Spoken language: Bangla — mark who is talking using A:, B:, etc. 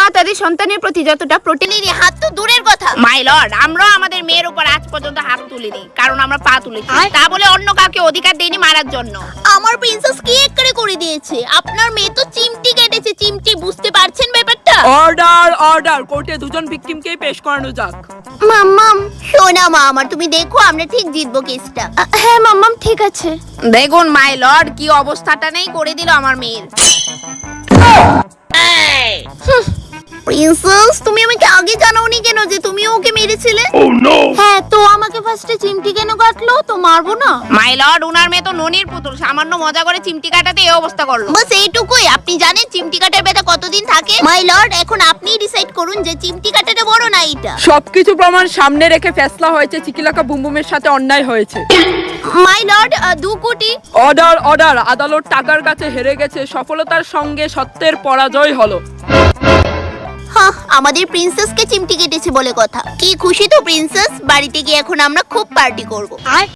A: মা তাদের সন্তানের প্রতি যতটা প্রোটিনের হাত তো দূরের কথা। মাই লর্ড, আমরা আমাদের মেয়ের উপর আজ পর্যন্ত হাত তুলিনি, কারণ আমরা পা তুলেছি। তা বলে অন্য কাউকে অধিকার দেইনি মারার জন্য।
B: আমার প্রিন্সেস কি একবারে করে দিয়েছে। আপনার মেয়ে তো চিমটি কেটেছে। চিমটি, বুঝতে পারছেন ব্যাপারটা?
C: অর্ডার অর্ডার, কোর্টে দুজন ভিকটিমকেই পেশ করানো যাক।
B: মাম্মাম শোনা মা আমার, তুমি দেখো আমরা ঠিক জিতবো কেসটা।
A: হ্যাঁ মাম্মাম, ঠিক আছে। দেখুন মাই লর্ড, কি অবস্থাটা নেই করে দিল আমার মেয়ের।
B: প্রিন্সেস, তুমি আমাকে আগে জানাওনি কেন যে তুমিও ওকে মেরেছিলে?
A: হ্যাঁ, তো আমাকে ফার্স্টে চিমটি কেন কাটলো? তো মারবো না? মাই লর্ড, উনার মেয়ে তো ননির পুতুল, সামান্য মজা করে চিমটি কাটাতে এই অবস্থা করলো।
B: বাস এইটুকুই। আপনি জানেন চিমটি কাটার ব্যথা কতদিন থাকে? মাই লর্ড, এখন আপনিই ডিসাইড করুন যে চিমটি কাটাটা বড় না এটা।
C: সবকিছু প্রমাণ সামনে রেখে ফেসলা হয়েছে চিকিলাকা বুমবুমের সাথে অন্যায় হয়েছে।
B: মাই লর্ড, 2 কোটি।
C: অর্ডার অর্ডার, আদালত টাকার কাছে হেরে গেছে, সফলতার সঙ্গে সত্যের পরাজয় হলো।
B: হ্যাঁ, আমাদের প্রিন্সেসকে চিমটি কেটেছে বলে কথা। কি খুশি তো প্রিন্সেস। বাড়িতে গিয়ে এখন আমরা খুব পার্টি করব।